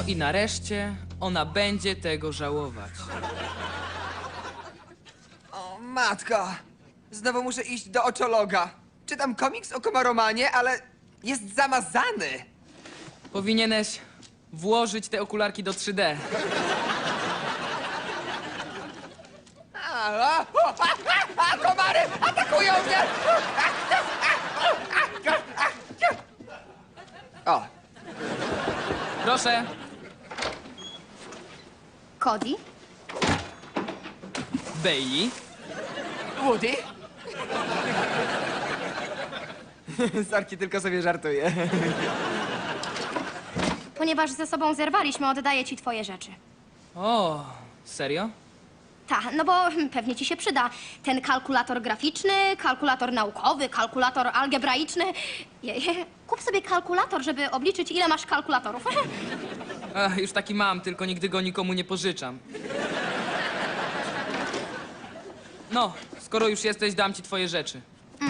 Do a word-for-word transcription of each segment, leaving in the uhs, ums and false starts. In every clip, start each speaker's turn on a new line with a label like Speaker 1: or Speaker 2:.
Speaker 1: i nareszcie ona będzie tego żałować.
Speaker 2: O, matko. Znowu muszę iść do oczologa. Czytam komiks o komaromanie, ale jest zamazany.
Speaker 1: Powinieneś włożyć te okularki do trzy D.
Speaker 2: A, a, o, a, a, a, komary atakują mnie! O,
Speaker 1: Proszę.
Speaker 3: Cody?
Speaker 1: Bailey.
Speaker 2: Woody? Sorki, tylko sobie żartuję.
Speaker 3: Ponieważ ze sobą zerwaliśmy, oddaję ci twoje rzeczy.
Speaker 1: O, serio?
Speaker 3: Ta, no bo hmm, pewnie ci się przyda. Ten kalkulator graficzny, kalkulator naukowy, kalkulator algebraiczny. Je, je, kup sobie kalkulator, żeby obliczyć, ile masz kalkulatorów.
Speaker 1: Ach, już taki mam, tylko nigdy go nikomu nie pożyczam. No, skoro już jesteś, dam ci twoje rzeczy.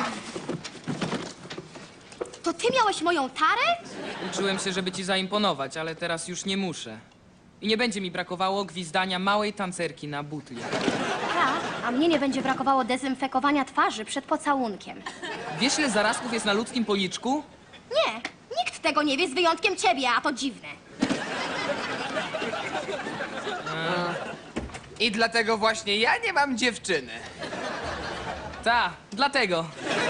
Speaker 3: To ty miałeś moją tarę?
Speaker 1: Uczyłem się, żeby ci zaimponować, ale teraz już nie muszę. I nie będzie mi brakowało gwizdania małej tancerki na butli.
Speaker 3: Ta, a mnie nie będzie brakowało dezynfekowania twarzy przed pocałunkiem.
Speaker 1: Wiesz, ile zarazków jest na ludzkim policzku?
Speaker 3: Nie, nikt tego nie wie z wyjątkiem ciebie, a to dziwne.
Speaker 2: I dlatego właśnie ja nie mam dziewczyny.
Speaker 1: Ta, dlatego.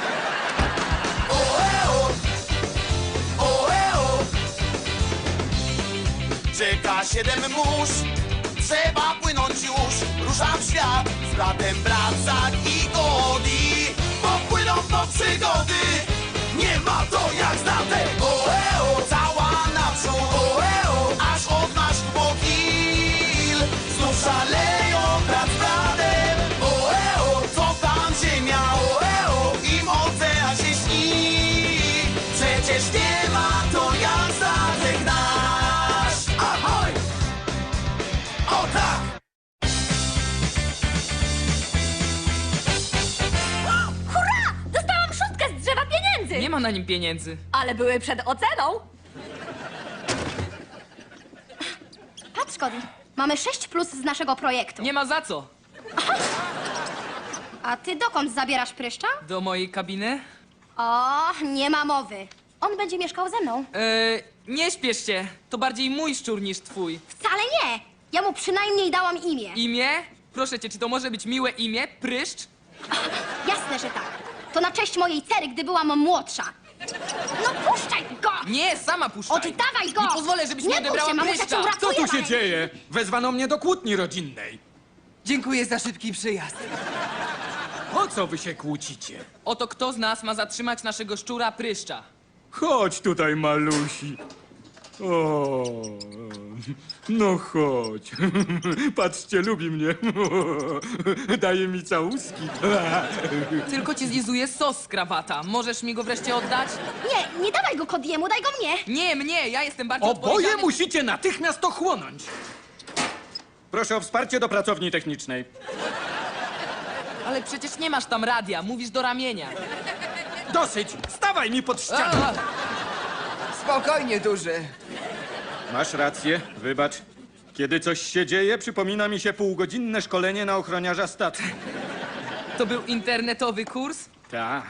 Speaker 4: Czeka siedem mórz, trzeba płynąć już. Ruszam w świat z bratem Bracak i Cody. Popłyną do przygody, nie ma to jak znate. Oeo, cała naprzód, oeo, aż odnasz bokil. Znów szaleją brat z bratem, oeo, co tam ziemia, oeo, im ocean się śni. Przecież nie ma to jak statek nasz. Ahoj! O tak!
Speaker 3: Hurra! Dostałam szóstkę z drzewa pieniędzy!
Speaker 1: Nie ma na nim pieniędzy.
Speaker 3: Ale były przed oceną. Patrz, Cody. Mamy sześć plus z naszego projektu.
Speaker 1: Nie ma za co.
Speaker 3: A ty dokąd zabierasz pryszcza?
Speaker 1: Do mojej kabiny?
Speaker 3: O, nie ma mowy. On będzie mieszkał ze mną.
Speaker 1: Eee, nie śpiesz się. To bardziej mój szczur niż twój.
Speaker 3: Wcale nie. Ja mu przynajmniej dałam imię.
Speaker 1: Imię? Proszę cię, czy to może być miłe imię? Pryszcz?
Speaker 3: Jasne, że tak. To na cześć mojej cery, gdy byłam młodsza. No puszczaj go!
Speaker 1: Nie, sama puszczaj.
Speaker 3: Oddawaj go!
Speaker 1: Nie pozwolę, żebyś
Speaker 3: Nie
Speaker 1: mi
Speaker 3: bój
Speaker 1: odebrała
Speaker 3: się, mamusia
Speaker 1: pryszcza.
Speaker 3: cię uratuje.
Speaker 5: Co tu się
Speaker 3: Marek.
Speaker 5: dzieje? Wezwano mnie do kłótni rodzinnej.
Speaker 2: Dziękuję za szybki przyjazd.
Speaker 5: O co wy się kłócicie?
Speaker 1: Oto kto z nas ma zatrzymać naszego szczura Pryszcza?
Speaker 5: Chodź tutaj, malusi. O, no chodź. Patrzcie, lubi mnie. Daje mi całuski.
Speaker 1: Tylko ci zlizuje sos z krawata. Możesz mi go wreszcie oddać?
Speaker 3: Nie, nie dawaj go Kodiemu, daj go mnie.
Speaker 1: Nie, mnie, ja jestem bardziej
Speaker 5: Oboje
Speaker 1: odpowiedzialny.
Speaker 5: musicie natychmiast ochłonąć. Proszę o wsparcie do pracowni technicznej.
Speaker 1: Ale przecież nie masz tam radia, mówisz do ramienia.
Speaker 5: Dosyć! Stawaj mi pod ścianę!
Speaker 1: A,
Speaker 2: Spokojnie, duży.
Speaker 5: Masz rację, wybacz. Kiedy coś się dzieje, przypomina mi się półgodzinne szkolenie na ochroniarza statku.
Speaker 1: to był internetowy kurs?
Speaker 5: Tak.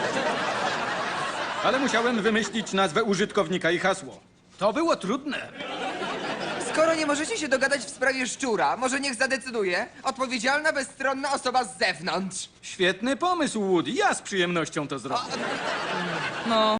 Speaker 5: Ale musiałem wymyślić nazwę użytkownika i hasło. To było trudne.
Speaker 2: Skoro nie możecie się dogadać w sprawie szczura, może niech zadecyduje odpowiedzialna, bezstronna osoba z zewnątrz.
Speaker 5: Świetny pomysł, Woody. Ja z przyjemnością to zrobię.
Speaker 1: No,